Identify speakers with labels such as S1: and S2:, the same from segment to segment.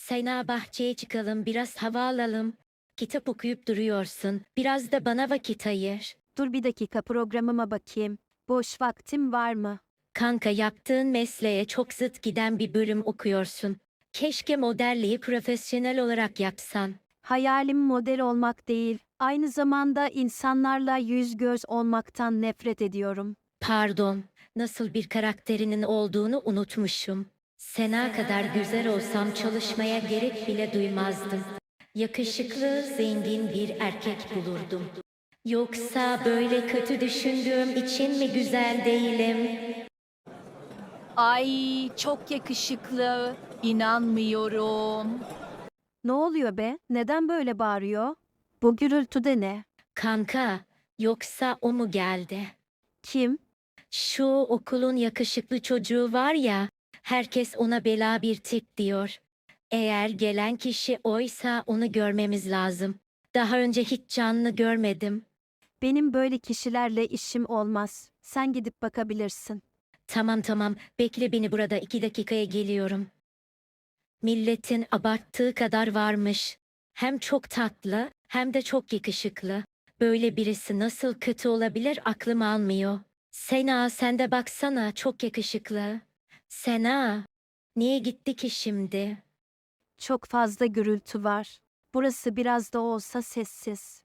S1: Sena bahçeye çıkalım, biraz hava alalım. Kitap okuyup duruyorsun. Biraz da bana vakit ayır.
S2: Dur bir dakika programıma bakayım. Boş vaktim var mı?
S1: Kanka yaptığın mesleğe çok zıt giden bir bölüm okuyorsun. Keşke modelliği profesyonel olarak yapsan.
S2: Hayalim model olmak değil, aynı zamanda insanlarla yüz göz olmaktan nefret ediyorum.
S1: Pardon, nasıl bir karakterinin olduğunu unutmuşum. Sena kadar güzel olsam çalışmaya gerek bile duymazdım. Yakışıklı, zengin bir erkek bulurdum. Yoksa böyle kötü düşündüğüm için mi güzel değilim?
S3: Ay çok yakışıklı. İnanmıyorum.
S2: Ne oluyor be? Neden böyle bağırıyor? Bu gürültü de ne?
S1: Kanka, yoksa o mu geldi?
S2: Kim?
S1: Şu okulun yakışıklı çocuğu var ya, herkes ona bela bir tip diyor. Eğer gelen kişi oysa onu görmemiz lazım. Daha önce hiç canlı görmedim.
S2: Benim böyle kişilerle işim olmaz. Sen gidip bakabilirsin.
S1: Tamam tamam, bekle beni burada 2 dakikaya geliyorum. Milletin abarttığı kadar varmış. Hem çok tatlı, hem de çok yakışıklı. Böyle birisi nasıl kötü olabilir aklım almıyor. Sena sen de baksana çok yakışıklı. Sena, niye gitti ki şimdi?
S2: Çok fazla gürültü var. Burası biraz da olsa sessiz.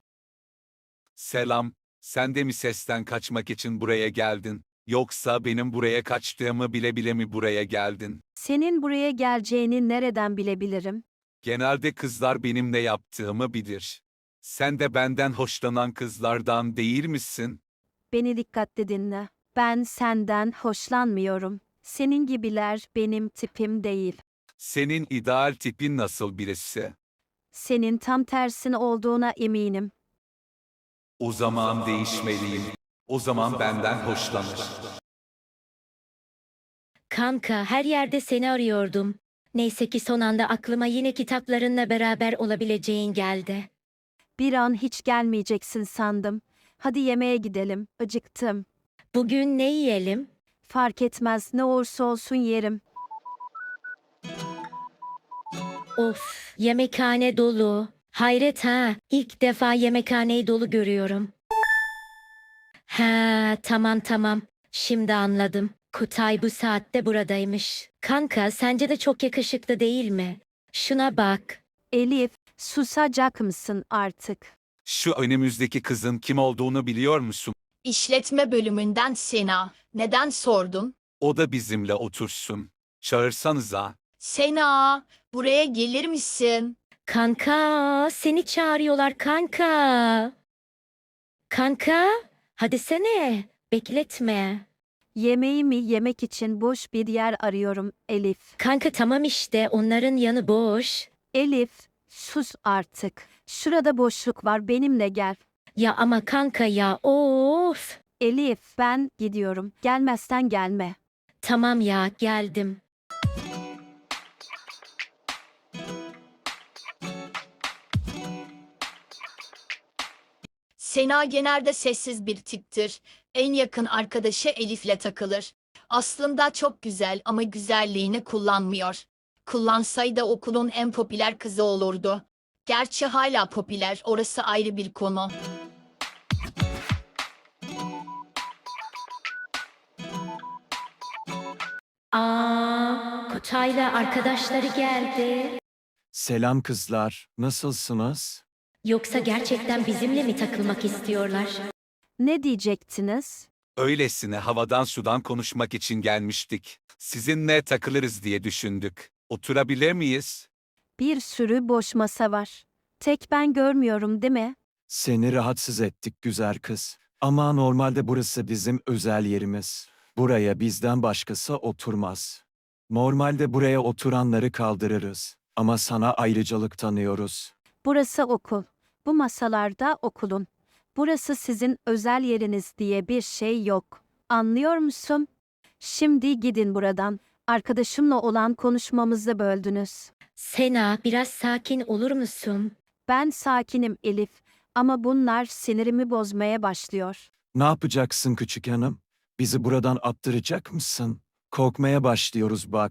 S4: Selam, sen de mi sesten kaçmak için buraya geldin? Yoksa benim buraya kaçtığımı bile bile mi buraya geldin?
S2: Senin buraya geleceğini nereden bilebilirim?
S4: Genelde kızlar benim ne yaptığımı bilir. Sen de benden hoşlanan kızlardan değil misin?
S2: Beni dikkatli dinle. Ben senden hoşlanmıyorum. Senin gibiler benim tipim değil.
S4: Senin ideal tipin nasıl birisi?
S2: Senin tam tersin olduğuna eminim.
S4: O zaman değişmeliyim. O zaman benden hoşlanır.
S1: Kanka her yerde seni arıyordum. Neyse ki son anda aklıma yine kitaplarınla beraber olabileceğin geldi.
S2: Bir an hiç gelmeyeceksin sandım. Hadi yemeğe gidelim. Acıktım.
S1: Bugün ne yiyelim?
S2: Fark etmez ne olursa olsun yerim.
S1: Of, yemekhane dolu. Hayret ha, ilk defa yemekhaneyi dolu görüyorum. Ha, tamam tamam. Şimdi anladım. Kutay bu saatte buradaymış. Kanka, sence de çok yakışıklı değil mi? Şuna bak.
S2: Elif, susacak mısın artık?
S4: Şu önümüzdeki kızın kim olduğunu biliyor musun?
S3: İşletme bölümünden Sena. Neden sordun?
S4: O da bizimle otursun. Çağırsanıza.
S3: Sena, buraya gelir misin?
S1: Kanka, seni çağırıyorlar kanka. Kanka, hadi sene. Bekletme.
S2: Yemeğimi yemek için boş bir yer arıyorum Elif.
S1: Kanka tamam işte, onların yanı boş.
S2: Elif, sus artık. Şurada boşluk var benimle gel.
S1: Ya ama kanka ya, of.
S2: Elif, ben gidiyorum. Gelmezsen gelme.
S1: Tamam ya, geldim.
S3: Sena genelde sessiz bir tiptir. En yakın arkadaşı Elif'le takılır. Aslında çok güzel ama güzelliğini kullanmıyor. Kullansaydı okulun en popüler kızı olurdu. Gerçi hala popüler, orası ayrı bir konu.
S1: Kutay'la arkadaşları geldi.
S5: Selam kızlar, nasılsınız?
S1: Yoksa gerçekten bizimle mi takılmak istiyorlar?
S2: Ne diyecektiniz?
S4: Öylesine havadan sudan konuşmak için gelmiştik. Sizinle takılırız diye düşündük. Oturabilir miyiz?
S2: Bir sürü boş masa var. Tek ben görmüyorum değil mi?
S5: Seni rahatsız ettik güzel kız. Ama normalde burası bizim özel yerimiz. Buraya bizden başkası oturmaz. Normalde buraya oturanları kaldırırız. Ama sana ayrıcalık tanıyoruz.
S2: Burası okul. Bu masalarda okulun. Burası sizin özel yeriniz diye bir şey yok. Anlıyor musun? Şimdi gidin buradan. Arkadaşımla olan konuşmamızı böldünüz.
S1: Sena, biraz sakin olur musun?
S2: Ben sakinim Elif ama bunlar sinirimi bozmaya başlıyor.
S5: Ne yapacaksın küçük hanım? Bizi buradan attıracak mısın? Korkmaya başlıyoruz bak.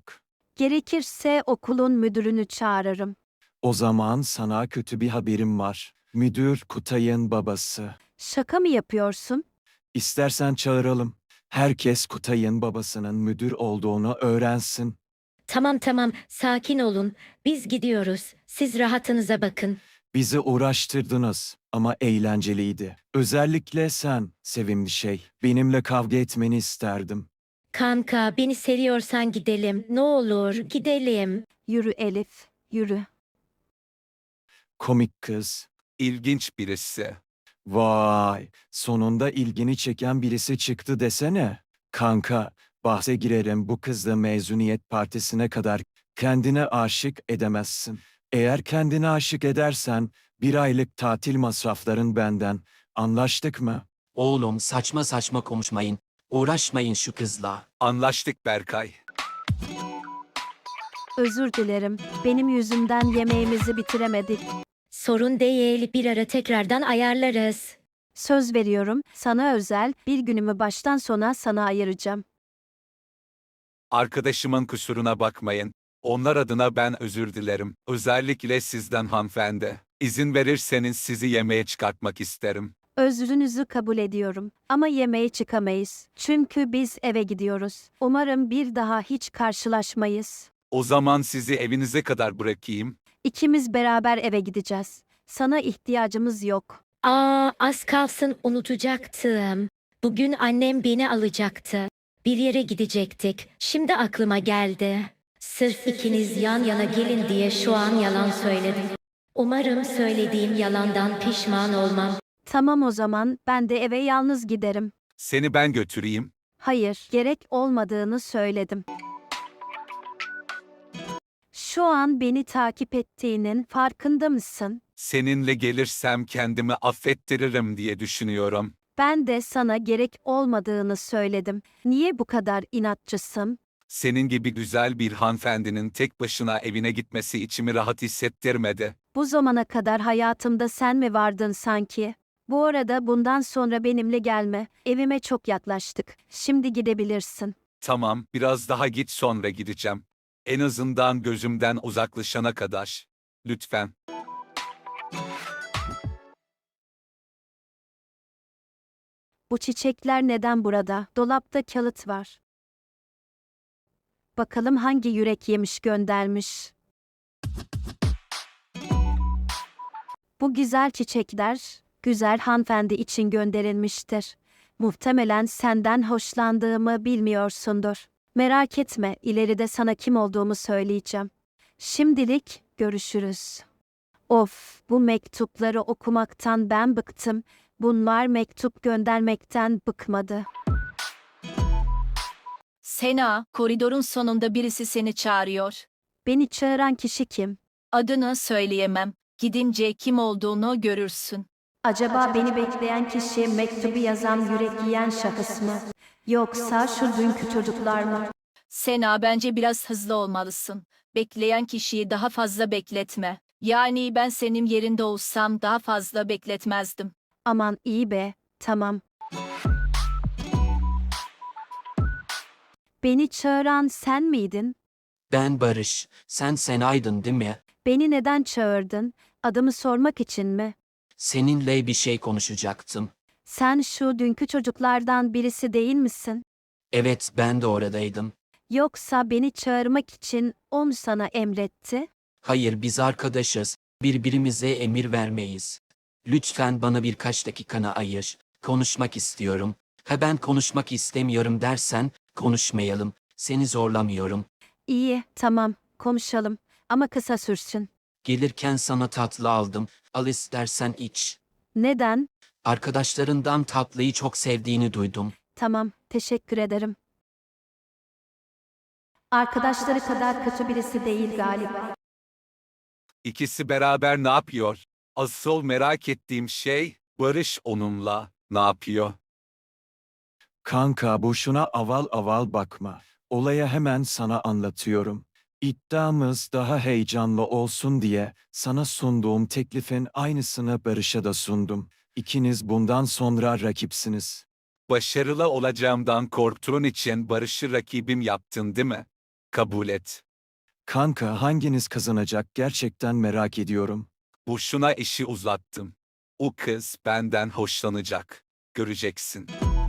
S2: Gerekirse okulun müdürünü çağırırım.
S5: O zaman sana kötü bir haberim var. Müdür Kutay'ın babası.
S2: Şaka mı yapıyorsun?
S5: İstersen çağıralım. Herkes Kutay'ın babasının müdür olduğunu öğrensin.
S1: Tamam tamam, sakin olun. Biz gidiyoruz. Siz rahatınıza bakın.
S5: Bizi uğraştırdınız ama eğlenceliydi. Özellikle sen, sevimli şey. Benimle kavga etmeni isterdim.
S1: Kanka, beni seviyorsan gidelim. Ne olur, gidelim.
S2: Yürü Elif, yürü.
S5: Komik kız.
S4: İlginç birisi.
S5: Vay, sonunda ilgini çeken birisi çıktı desene. Kanka, bahse girerim bu kızla mezuniyet partisine kadar kendine aşık edemezsin. Eğer kendine aşık edersen 1 aylık tatil masrafların benden. Anlaştık mı?
S6: Oğlum saçma saçma konuşmayın. Uğraşmayın şu kızla.
S4: Anlaştık Berkay.
S2: Özür dilerim. Benim yüzümden yemeğimizi bitiremedik.
S1: Sorun değil, bir ara tekrardan ayarlarız.
S2: Söz veriyorum, sana özel bir günümü baştan sona sana ayıracağım.
S4: Arkadaşımın kusuruna bakmayın. Onlar adına ben özür dilerim. Özellikle sizden hanımefendi. İzin verirseniz sizi yemeğe çıkartmak isterim.
S2: Özrünüzü kabul ediyorum ama yemeğe çıkamayız. Çünkü biz eve gidiyoruz. Umarım bir daha hiç karşılaşmayız.
S4: O zaman sizi evinize kadar bırakayım.
S2: İkimiz beraber eve gideceğiz. Sana ihtiyacımız yok.
S1: Az kalsın unutacaktım. Bugün annem beni alacaktı. Bir yere gidecektik. Şimdi aklıma geldi. Sırf ikiniz yan yana gelin diye şu an yalan söyledim. Umarım söylediğim yalandan pişman olmam.
S2: Tamam o zaman ben de eve yalnız giderim.
S4: Seni ben götüreyim.
S2: Hayır, gerek olmadığını söyledim. Şu an beni takip ettiğinin farkında mısın?
S4: Seninle gelirsem kendimi affettiririm diye düşünüyorum.
S2: Ben de sana gerek olmadığını söyledim. Niye bu kadar inatçısın?
S4: Senin gibi güzel bir hanımefendinin tek başına evine gitmesi içimi rahat hissettirmedi.
S2: Bu zamana kadar hayatımda sen mi vardın sanki? Bu arada bundan sonra benimle gelme. Evime çok yaklaştık. Şimdi gidebilirsin.
S4: Tamam, biraz daha git sonra gideceğim. En azından gözümden uzaklaşana kadar. Lütfen.
S2: Bu çiçekler neden burada? Dolapta kağıt var. Bakalım hangi yürek yemiş göndermiş. Bu güzel çiçekler, güzel hanımefendi için gönderilmiştir. Muhtemelen senden hoşlandığımı bilmiyorsundur. Merak etme, ileride sana kim olduğumu söyleyeceğim. Şimdilik görüşürüz. Of, bu mektupları okumaktan ben bıktım. Bunlar mektup göndermekten bıkmadı.
S7: Sena, koridorun sonunda birisi seni çağırıyor.
S2: Beni çağıran kişi kim?
S7: Adını söyleyemem. Gidince kim olduğunu görürsün.
S2: Acaba beni bekleyen kişi mektubu yazan yürek yiyen şahıs mı? Yoksa şu dünkü çocuklar mı?
S7: Sena, bence biraz hızlı olmalısın. Bekleyen kişiyi daha fazla bekletme. Yani ben senin yerinde olsam daha fazla bekletmezdim.
S2: Aman iyi be, tamam. Beni çağıran sen miydin?
S6: Ben Barış. Sen Sena'ydın değil mi?
S2: Beni neden çağırdın? Adımı sormak için mi?
S6: Seninle bir şey konuşacaktım.
S2: Sen şu dünkü çocuklardan birisi değil misin?
S6: Evet, ben de oradaydım.
S2: Yoksa beni çağırmak için o mu sana emretti?
S6: Hayır, biz arkadaşız. Birbirimize emir vermeyiz. Lütfen bana birkaç dakikanı ayır. Konuşmak istiyorum. Ha, ben konuşmak istemiyorum dersen konuşmayalım. Seni zorlamıyorum.
S2: İyi, tamam, konuşalım. Ama kısa sürsün.
S6: Gelirken sana tatlı aldım. Al istersen iç.
S2: Neden?
S6: Arkadaşlarından tatlıyı çok sevdiğini duydum.
S2: Tamam, teşekkür ederim. Arkadaşları kadar kötü birisi değil galiba.
S4: İkisi beraber ne yapıyor? Asıl merak ettiğim şey, Barış onunla ne yapıyor?
S5: Kanka boşuna aval aval bakma. Olaya hemen sana anlatıyorum. İddiamız daha heyecanlı olsun diye sana sunduğum teklifin aynısını Barış'a da sundum. İkiniz bundan sonra rakipsiniz.
S4: Başarılı olacağımdan korktuğun için Barış'ı rakibim yaptın değil mi? Kabul et.
S5: Kanka hanginiz kazanacak gerçekten merak ediyorum.
S4: Boşuna işi uzattım. O kız benden hoşlanacak. Göreceksin.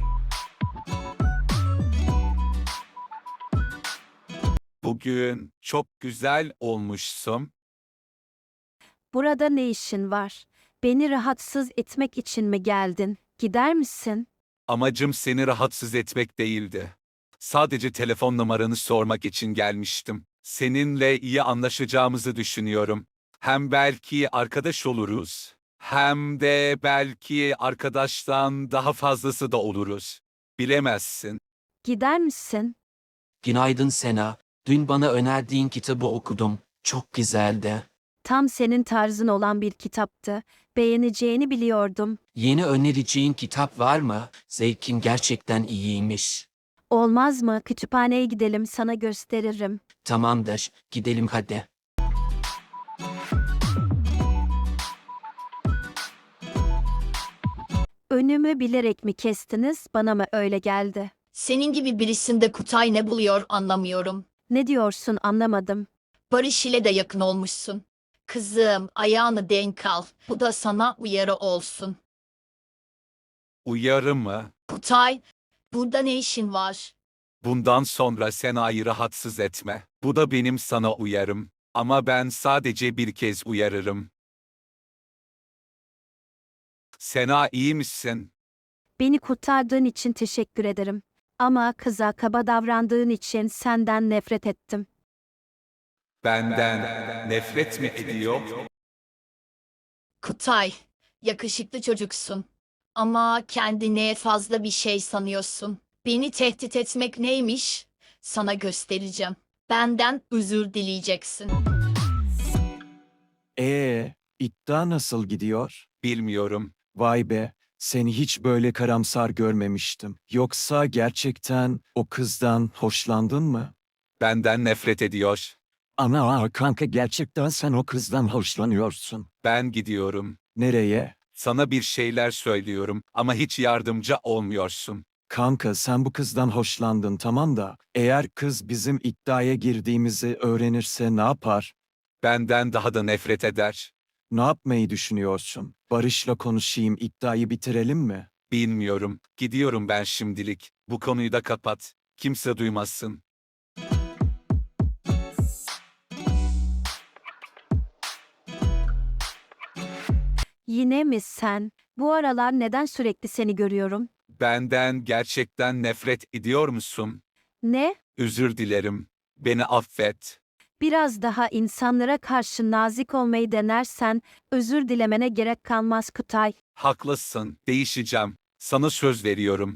S4: Bugün çok güzel olmuşsun.
S2: Burada ne işin var? Beni rahatsız etmek için mi geldin? Gider misin?
S4: Amacım seni rahatsız etmek değildi. Sadece telefon numaranı sormak için gelmiştim. Seninle iyi anlaşacağımızı düşünüyorum. Hem belki arkadaş oluruz. Hem de belki arkadaştan daha fazlası da oluruz. Bilemezsin.
S2: Gider misin?
S6: Günaydın Sena. Dün bana önerdiğin kitabı okudum. Çok güzeldi.
S2: Tam senin tarzın olan bir kitaptı. Beğeneceğini biliyordum.
S6: Yeni önereceğin kitap var mı? Zevkin gerçekten iyiymiş.
S2: Olmaz mı? Kütüphaneye gidelim, sana gösteririm.
S6: Tamamdır, gidelim hadi.
S2: Önümü bilerek mi kestiniz? Bana mı öyle geldi?
S3: Senin gibi birisinde Kutay ne buluyor anlamıyorum.
S2: Ne diyorsun anlamadım.
S3: Barış ile de yakın olmuşsun. Kızım, ayağını denk al. Bu da sana uyarı olsun.
S4: Uyarı mı?
S3: Kutay, burada ne işin var?
S4: Bundan sonra Sena'yı rahatsız etme. Bu da benim sana uyarım. Ama ben sadece bir kez uyarırım. Sena iyi misin?
S2: Beni kurtardığın için teşekkür ederim. Ama kıza kaba davrandığın için senden nefret ettim.
S4: Benden nefret mi ediyor?
S3: Kutay, yakışıklı çocuksun. Ama kendine fazla bir şey sanıyorsun. Beni tehdit etmek neymiş? Sana göstereceğim. Benden özür dileyeceksin.
S5: İddia nasıl gidiyor?
S4: Bilmiyorum.
S5: Vay be, seni hiç böyle karamsar görmemiştim. Yoksa gerçekten o kızdan hoşlandın mı?
S4: Benden nefret ediyor.
S5: Ana kanka gerçekten sen o kızdan hoşlanıyorsun.
S4: Ben gidiyorum.
S5: Nereye?
S4: Sana bir şeyler söylüyorum ama hiç yardımcı olmuyorsun.
S5: Kanka sen bu kızdan hoşlandın tamam da eğer kız bizim iddiaya girdiğimizi öğrenirse ne yapar?
S4: Benden daha da nefret eder.
S5: Ne yapmayı düşünüyorsun? Barış'la konuşayım, iddiayı bitirelim mi?
S4: Bilmiyorum. Gidiyorum ben şimdilik. Bu konuyu da kapat. Kimse duymasın.
S2: Yine mi sen? Bu aralar neden sürekli seni görüyorum?
S4: Benden gerçekten nefret ediyor musun?
S2: Ne?
S4: Özür dilerim. Beni affet.
S2: Biraz daha insanlara karşı nazik olmayı denersen özür dilemene gerek kalmaz Kutay.
S4: Haklısın. Değişeceğim. Sana söz veriyorum.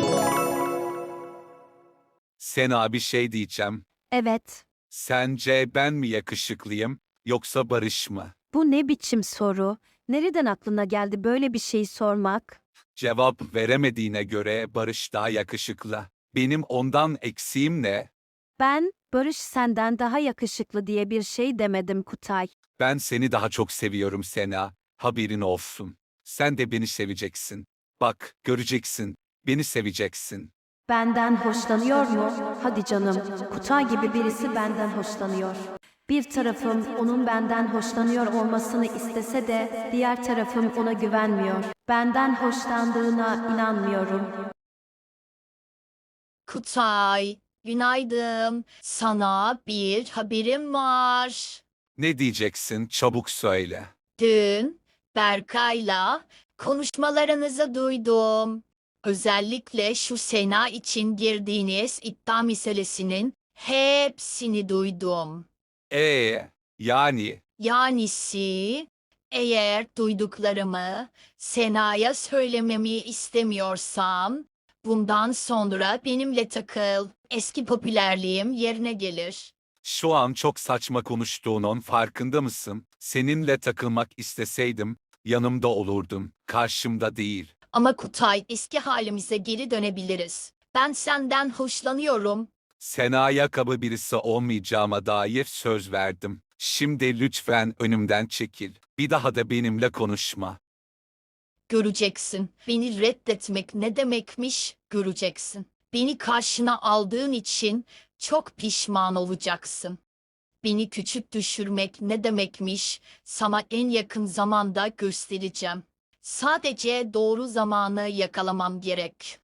S4: Sena bir şey diyeceğim.
S2: Evet.
S4: Sence ben mi yakışıklıyım yoksa Barış mı?
S2: Bu ne biçim soru? Nereden aklına geldi böyle bir şey sormak?
S4: Cevap veremediğine göre Barış daha yakışıklı. Benim ondan eksiğim ne?
S2: Ben, Barış senden daha yakışıklı diye bir şey demedim Kutay.
S4: Ben seni daha çok seviyorum Sena. Haberin olsun. Sen de beni seveceksin. Bak, göreceksin. Beni seveceksin.
S2: Benden hoşlanıyor mu? Hadi canım, Kutay gibi birisi benden hoşlanıyor. Bir tarafım onun benden hoşlanıyor olmasını istese de diğer tarafım ona güvenmiyor. Benden hoşlandığına inanmıyorum.
S3: Kutay, günaydın. Sana bir haberim var.
S4: Ne diyeceksin? Çabuk söyle.
S3: Dün Berkay'la konuşmalarınızı duydum. Özellikle şu Sena için girdiğiniz iddia meselesinin hepsini duydum.
S4: Yani
S3: Yanisi, eğer duyduklarımı Sena'ya söylememi istemiyorsam, bundan sonra benimle takıl. Eski popülerliğim yerine gelir.
S4: şu an çok saçma konuştuğunun farkında mısın? Seninle takılmak isteseydim yanımda olurdum, karşımda değil.
S3: Ama Kutay, eski halimize geri dönebiliriz. Ben senden hoşlanıyorum.
S4: Sena'ya kaba birisi olmayacağıma dair söz verdim. Şimdi lütfen önümden çekil. Bir daha da benimle konuşma.
S3: Göreceksin. Beni reddetmek ne demekmiş, göreceksin. Beni karşına aldığın için çok pişman olacaksın. Beni küçük düşürmek ne demekmiş? Sana en yakın zamanda göstereceğim. Sadece doğru zamanı yakalamam gerek.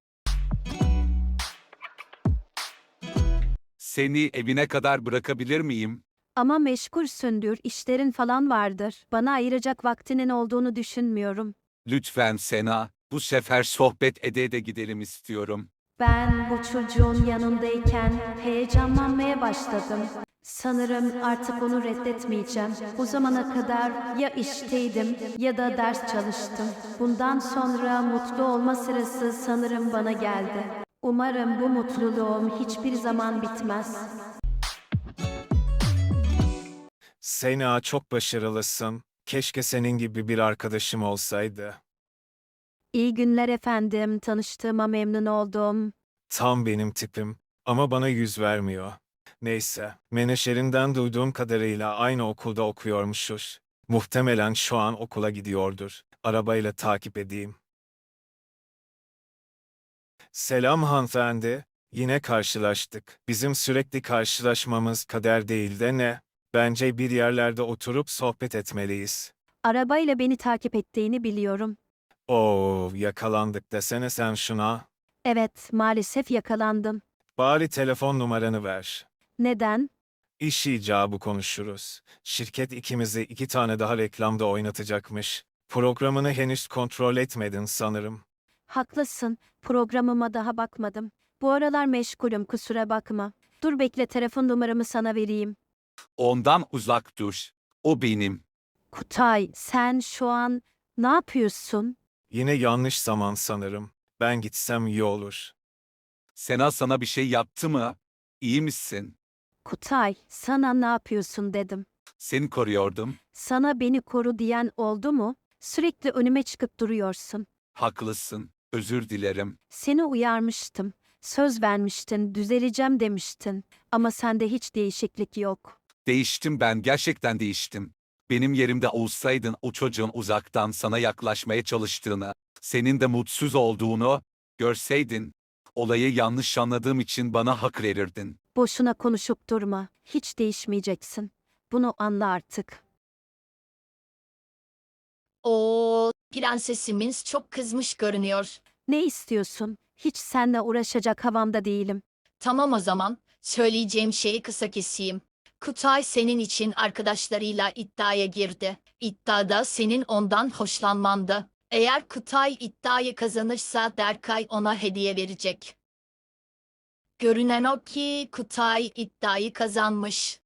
S4: Seni evine kadar bırakabilir miyim?
S2: Ama meşgulsündür, işlerin falan vardır. Bana ayıracak vaktinin olduğunu düşünmüyorum.
S4: Lütfen Sena, bu sefer sohbet ede ede gidelim istiyorum.
S2: Ben bu çocuğun yanındayken heyecanlanmaya başladım. Sanırım artık onu reddetmeyeceğim. Bu zamana kadar ya işteydim ya da ders çalıştım. Bundan sonra mutlu olma sırası sanırım bana geldi. Umarım bu mutluluğum hiçbir zaman bitmez.
S8: Sena, çok başarılısın. Keşke senin gibi bir arkadaşım olsaydı.
S2: İyi günler efendim, tanıştığıma memnun oldum.
S8: Tam benim tipim ama bana yüz vermiyor. Neyse, menaşerinden duyduğum kadarıyla aynı okulda okuyormuşuz. Muhtemelen şu an okula gidiyordur. Arabayla takip edeyim. Selam hanımefendi. Yine karşılaştık. Bizim sürekli karşılaşmamız kader değil de ne? Bence bir yerlerde oturup sohbet etmeliyiz.
S2: Arabayla beni takip ettiğini biliyorum.
S8: Oo, yakalandık desene sen şuna.
S2: Evet, maalesef yakalandım.
S8: Bari telefon numaranı ver.
S2: Neden?
S8: İş icabı konuşuruz. Şirket ikimizi 2 tane daha reklamda oynatacakmış. Programını henüz kontrol etmedin sanırım.
S2: Haklısın, programıma daha bakmadım. Bu aralar meşgulüm, kusura bakma. Dur bekle, telefon numaramı sana vereyim.
S4: Ondan uzak dur. O benim.
S2: Kutay, sen şu an ne yapıyorsun?
S8: Yine yanlış zaman sanırım. Ben gitsem iyi olur.
S4: Sena sana bir şey yaptı mı? İyi misin?
S2: Kutay, sana ne yapıyorsun dedim.
S4: Seni koruyordum.
S2: Sana beni koru diyen oldu mu? Sürekli önüme çıkıp duruyorsun.
S4: Haklısın. Özür dilerim.
S2: Seni uyarmıştım. Söz vermiştin, düzeleceğim demiştin. Ama sende hiç değişiklik yok.
S4: Değiştim ben, gerçekten değiştim. Benim yerimde olsaydın o çocuğun uzaktan sana yaklaşmaya çalıştığını, senin de mutsuz olduğunu görseydin, olayı yanlış anladığım için bana hak verirdin.
S2: Boşuna konuşup durma. Hiç değişmeyeceksin. Bunu anla artık.
S3: O prensesimiz çok kızmış görünüyor.
S2: Ne istiyorsun? Hiç seninle uğraşacak havamda değilim.
S3: Tamam o zaman, söyleyeceğim şeyi kısa keseyim. Kutay senin için arkadaşlarıyla iddiaya girdi. İddiada senin ondan hoşlanmandı. Eğer Kutay iddiayı kazanırsa Berkay ona hediye verecek. Görünen o ki Kutay iddiayı kazanmış.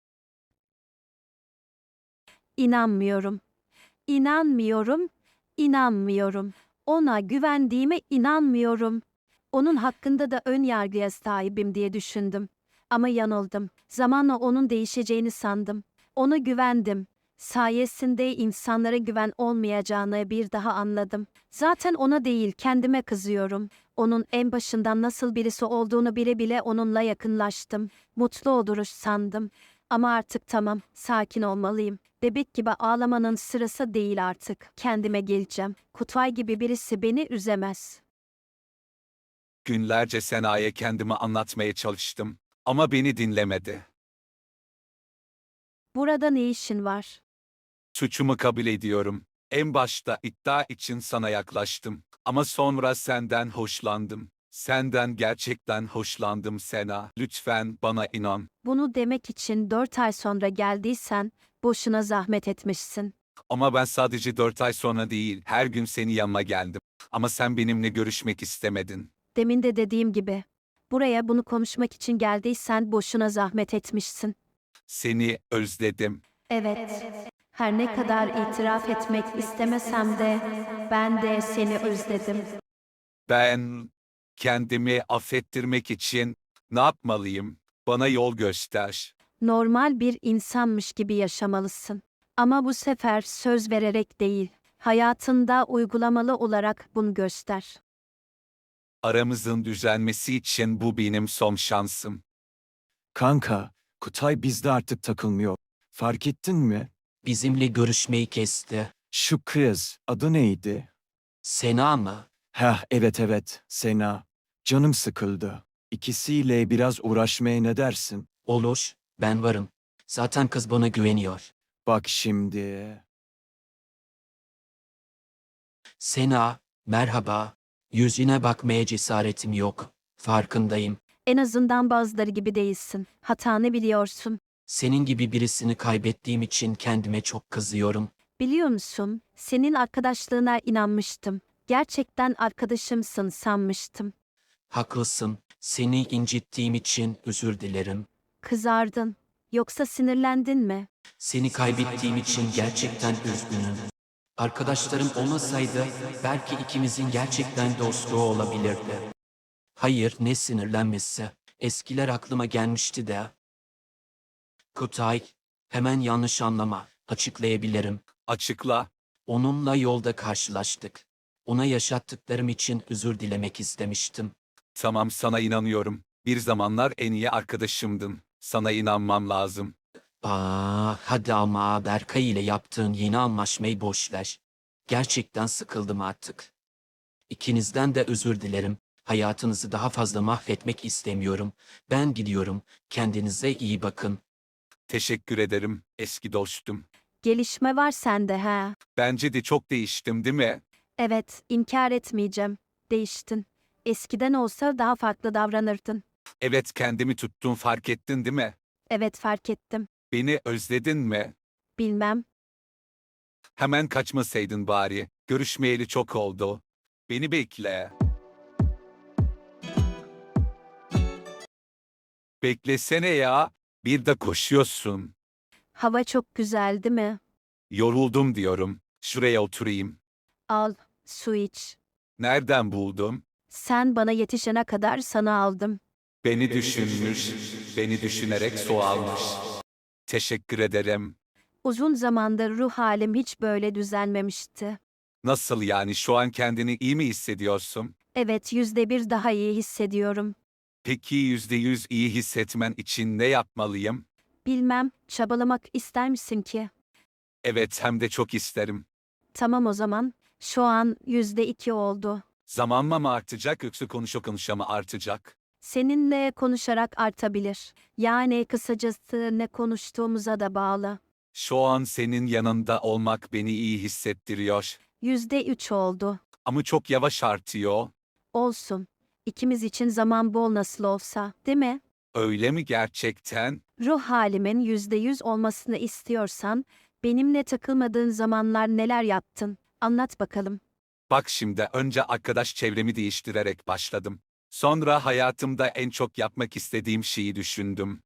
S2: İnanmıyorum. İnanmıyorum. İnanmıyorum. Ona güvendiğime inanmıyorum. Onun hakkında da ön yargıya sahibim diye düşündüm. Ama yanıldım. Zamanla onun değişeceğini sandım. Ona güvendim. Sayesinde insanlara güven olmayacağını bir daha anladım. Zaten ona değil, kendime kızıyorum. Onun en başından nasıl birisi olduğunu bile bile onunla yakınlaştım. Mutlu oluruz sandım. Ama artık tamam, sakin olmalıyım. Bebek gibi ağlamanın sırası değil artık. Kendime geleceğim. Kutay gibi birisi beni üzemez.
S4: Günlerce Sena'ya kendimi anlatmaya çalıştım ama beni dinlemedi.
S2: Burada ne işin var?
S4: Suçumu kabul ediyorum. En başta iddia için sana yaklaştım ama sonra senden hoşlandım. Senden gerçekten hoşlandım Sena. Lütfen bana inan.
S2: Bunu demek için 4 ay sonra geldiysen boşuna zahmet etmişsin.
S4: Ama ben sadece 4 ay sonra değil, her gün senin yanıma geldim. Ama sen benimle görüşmek istemedin.
S2: Demin de dediğim gibi. Buraya bunu konuşmak için geldiysen boşuna zahmet etmişsin.
S4: Seni özledim.
S2: Evet. Her ne kadar itiraf etmek istemesem de ben de seni özledim.
S4: Ben kendimi affettirmek için ne yapmalıyım? Bana yol göster.
S2: Normal bir insanmış gibi yaşamalısın. Ama bu sefer söz vererek değil, hayatında uygulamalı olarak bunu göster.
S4: Aramızın düzelmesi için bu benim son şansım.
S5: Kanka, Kutay bizde artık takılmıyor. Fark ettin mi?
S6: Bizimle görüşmeyi kesti.
S5: Şu kız, adı neydi?
S6: Sena mı?
S5: Heh, evet, Sena. Canım sıkıldı. İkisiyle biraz uğraşmaya ne dersin?
S6: Olur, ben varım. Zaten kız bana güveniyor.
S5: Bak şimdi.
S6: Sena, merhaba. Yüzüne bakmaya cesaretim yok. Farkındayım.
S2: En azından bazıları gibi değilsin. Hatanı biliyorsun.
S6: Senin gibi birisini kaybettiğim için kendime çok kızıyorum.
S2: Biliyor musun? Senin arkadaşlığına inanmıştım. Gerçekten arkadaşımsın sanmıştım.
S6: Haklısın. Seni incittiğim için özür dilerim.
S2: Kızardın. Yoksa sinirlendin mi?
S6: Seni kaybettiğim için gerçekten üzgünüm. Arkadaşlarım olmasaydı belki ikimizin gerçekten dostluğu olabilirdi. Hayır, ne sinirlenmesi. Eskiler aklıma gelmişti de. Kutay, hemen yanlış anlama. Açıklayabilirim.
S4: Açıkla.
S6: Onunla yolda karşılaştık. Ona yaşattıklarım için özür dilemek istemiştim.
S4: Tamam, sana inanıyorum. Bir zamanlar en iyi arkadaşımdın. Sana inanmam lazım.
S6: Hadi ama Berkay ile yaptığın yeni anlaşmayı boş ver. Gerçekten sıkıldım artık. İkinizden de özür dilerim. Hayatınızı daha fazla mahvetmek istemiyorum. Ben gidiyorum. Kendinize iyi bakın.
S4: Teşekkür ederim eski dostum.
S2: Gelişme var sende ha.
S4: Bence de çok değiştim, değil mi?
S2: Evet, inkar etmeyeceğim. Değiştin. Eskiden olsa daha farklı davranırdın.
S4: Evet, kendimi tuttum, fark ettin değil mi?
S2: Evet, fark ettim.
S4: Beni özledin mi?
S2: Bilmem.
S4: Hemen kaçmasaydın bari. Görüşmeyeli çok oldu. Beni bekle. Beklesene ya. Bir de koşuyorsun.
S2: Hava çok güzel değil mi?
S4: Yoruldum diyorum. Şuraya oturayım.
S2: Al, su iç.
S4: Nereden buldum?
S2: Sen bana yetişene kadar sana aldım.
S4: Beni düşünmüş, beni düşünerek su almış. Teşekkür ederim.
S2: Uzun zamandır ruh halim hiç böyle düzelmemişti.
S4: Nasıl yani, şu an kendini iyi mi hissediyorsun?
S2: Evet, %1 daha iyi hissediyorum.
S4: Peki %100 iyi hissetmen için ne yapmalıyım?
S2: Bilmem, çabalamak ister misin ki?
S4: Evet, hem de çok isterim.
S2: Tamam o zaman. Şu an %2 oldu.
S4: Zamanla mı artacak yoksa konuşa mı artacak?
S2: Seninle konuşarak artabilir. Yani kısacası ne konuştuğumuza da bağlı.
S4: Şu an senin yanında olmak beni iyi hissettiriyor.
S2: %3 oldu.
S4: Ama çok yavaş artıyor.
S2: Olsun. İkimiz için zaman bol nasıl olsa, değil mi?
S4: Öyle mi gerçekten?
S2: Ruh halimin %100 olmasını istiyorsan, benimle takılmadığın zamanlar neler yaptın? Anlat bakalım.
S4: Bak şimdi, önce arkadaş çevremi değiştirerek başladım. Sonra hayatımda en çok yapmak istediğim şeyi düşündüm.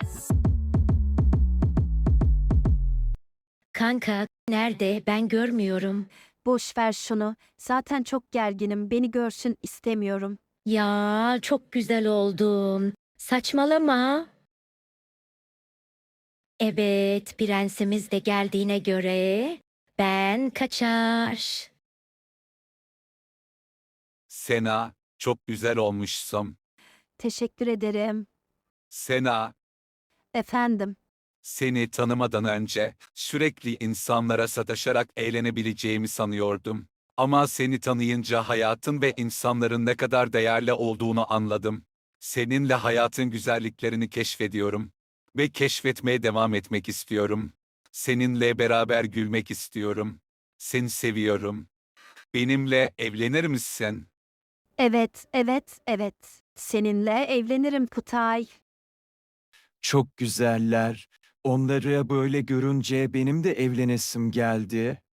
S1: Kanka, nerede? Ben görmüyorum.
S2: Boş ver şunu. Zaten çok gerginim. Beni görsün istemiyorum.
S1: Ya, çok güzel oldun. Saçmalama. Evet, prensimiz de geldiğine göre ben kaçar.
S4: Sena, çok güzel olmuşsun.
S2: Teşekkür ederim.
S4: Sena,
S2: Efendim.
S4: seni tanımadan önce sürekli insanlara sataşarak eğlenebileceğimi sanıyordum. Ama seni tanıyınca hayatın ve insanların ne kadar değerli olduğunu anladım. Seninle hayatın güzelliklerini keşfediyorum ve keşfetmeye devam etmek istiyorum. Seninle beraber gülmek istiyorum. Seni seviyorum. Benimle evlenir misin?
S2: Evet, evet, evet. Seninle evlenirim Kutay.
S5: Çok güzeller. Onları böyle görünce benim de evlenesim geldi.